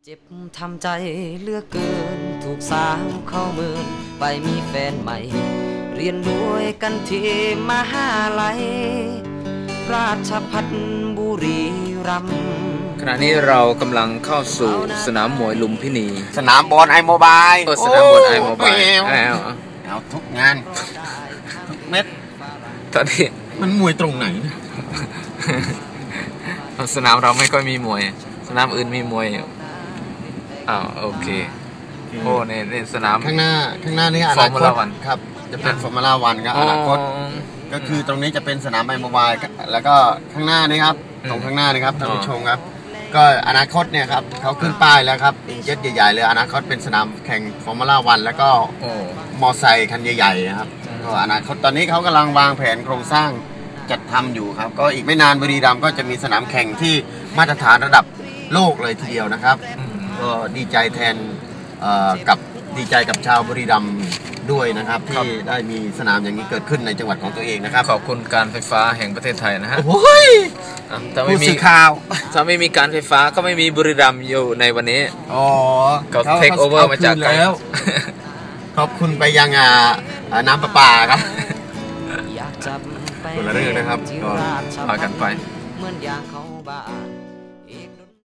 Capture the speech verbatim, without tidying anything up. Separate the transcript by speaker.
Speaker 1: เจ็บทำใจเลือกเกินถูกสาวเข้าเมินไปมีแฟนใหม่เรียนด้วยกันที่มหาลัยราชภัฏบุรีรัมย์
Speaker 2: ขณะนี้เรากำลังเข้าสู่สนามมวยลุมพินี
Speaker 3: สนามบอลไอโมบาย
Speaker 2: เออสนามบอลไอโมบายเอา
Speaker 3: เอาทุกงานทุกเม็ด
Speaker 2: ตอนนี้
Speaker 3: มันมวยตรงไหน
Speaker 2: สนามเราไม่ค่อยมีมวยสนามอื่นมีมวยอ้าวโอเคโอ้ในในสนาม
Speaker 3: ข้างหน้าข้างหน้านี่อนาคตครับจะเป็นฟอร์มูล่าวันครับอนาคตก็คือตรงนี้จะเป็นสนามไอโมบายแล้วก็ข้างหน้านี่ครับตรงข้างหน้านี่ครับท่านผู้ชมครับก็อนาคตเนี่ยครับเขาขึ้นป้ายแล้วครับเจ็ตใหญ่ๆเลยอนาคตเป็นสนามแข่งฟอร์มูล่าวันแล้วก็มอไซค์คันใหญ่ๆครับก็อนาคตตอนนี้เขากำลังวางแผนโครงสร้างจัดทำอยู่ครับก็อีกไม่นานบุรีรัมย์ก็จะมีสนามแข่งที่มาตรฐานระดับโลกเลยทีเดียวนะครับก็ดีใจแทนกับดีใจกับชาวบุรีรัมย์ด้วยนะครับที่ได้มีสนามอย่างนี้เกิดขึ้นในจังหวัดของตัวเองนะครับ
Speaker 2: ขอบคุณการไฟฟ้าแห่งประเทศไทยนะฮะ
Speaker 3: โอ้ย
Speaker 2: ถ้าไม่มี
Speaker 3: ข่าว
Speaker 2: ถ้าไม่มีการไฟฟ้าก็ไม่มีบุรีรัมย์อยู่ในวันนี้
Speaker 3: อ๋อ
Speaker 2: เขาเทคโอเวอร์มาจาก
Speaker 3: แล้วขอบคุณไปยังน้ำประปาครับคนละเรื่องนะครับก็
Speaker 2: พากันไป
Speaker 1: เหมือนอย่างเขาบ้าน